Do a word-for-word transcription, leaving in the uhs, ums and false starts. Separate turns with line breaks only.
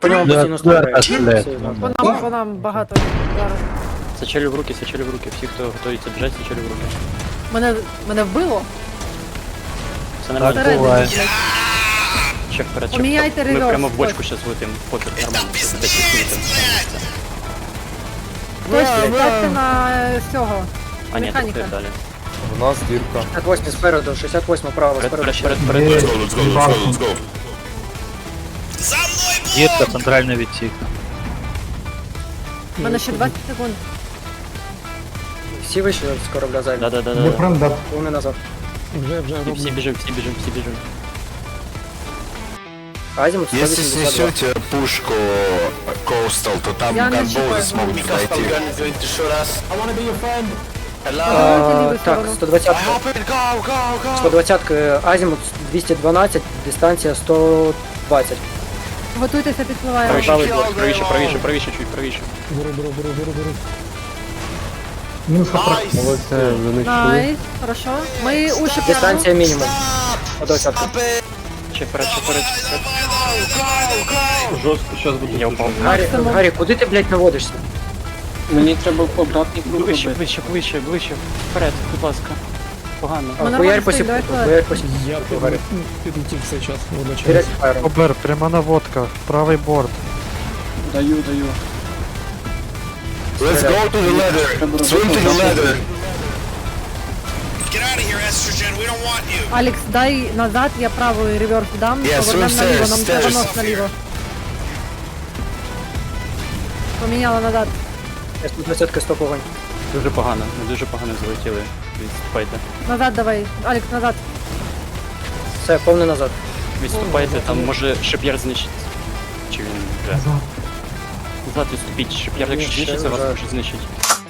По ньому постійно стріляють.
По нам, по нам багато зараз.
Сачелі в руки, сачелі в руки. Всі, хто готується біжать, сачелі в руки.
Мене, мене вбило?
Все нормально.
Всередині, блядь.
Ще вперед, ще
Поміняйте
вперед. Ми
реверс,
прямо в бочку
ось.
щас влетим. Пофіг, нормально. Це десять хвилин.
Хтось ставте на е, цього.
А ні,
Механіка.
тут далі.
У нас дірка.
шістдесят восьмий спереду, шістдесят восьмий право,
Вперед,
спереду.
вперед,
ще.
вперед, вперед.
Let's go, let's go, let's go, let's go.
Дірка, центральний відсік.
У мене ще двадцять секунд.
Всі вийшли з корабля зайві.
Да-да-да.
Вони назад.
І всі біжимо, всі біжимо, всі біжимо.
Азімут сто
Если
вісімдесят два.
снесете пушку Coastal, то там
Я не
ганболы
чекаю.
смогут пройти.
А,
ліву
Так,
сторону.
сто двадцять. сто двадцять Азімут двісті дванадцять, дистанція сто двадцять.
Готуйтеся, підпливає.
Правіше,
Правий
чуть,
блок.
правіше, правіше, правіше, чуть правіше.
Молодці, вони чули.
Найс, хорошо. Ми уші прямо.
Дистанція мінімум. О, двадцятка.
Ще вперед, ще вперед, ще вперед.
Жорстко, зараз буде.
Я впав.
Гаррі,
Максимум.
Гаррі, куди ти, блядь, наводишся?
Мені треба обратний круг
Ближче,
робити.
ближче, ближче, ближче. Вперед, будь ласка. Погано.
А,
Ми
Хуярь
нормально
по
стоїть,
сіпку,
давай
хуярь по сіпку.
Я
Гаррі.
підлетів цей час водночас.
Вперед фаєром.
Обер, пряма наводка, правий борт.
Даю, даю.
Let's go to the ladder. Swim to the ladder.
Get out of here, Estrogen. We don't want you.
Алекс, дай назад, я правий реверс дам.
Yes,
Повернемо
swim
наліво,
stairs,
нам треба
stairs.
нос наліво. Поміняла назад.
сто двадцять стоп огонь.
Дуже погано, ми дуже погано залетіли. Відступайте.
Назад давай. Алекс, назад.
Все, повний назад.
Відступайте, там може шип'яр знищить. Чи він вже? Назад відступіть, шип'яр, якщо
Ні, ще
знищиться, вас
вже.
може знищить.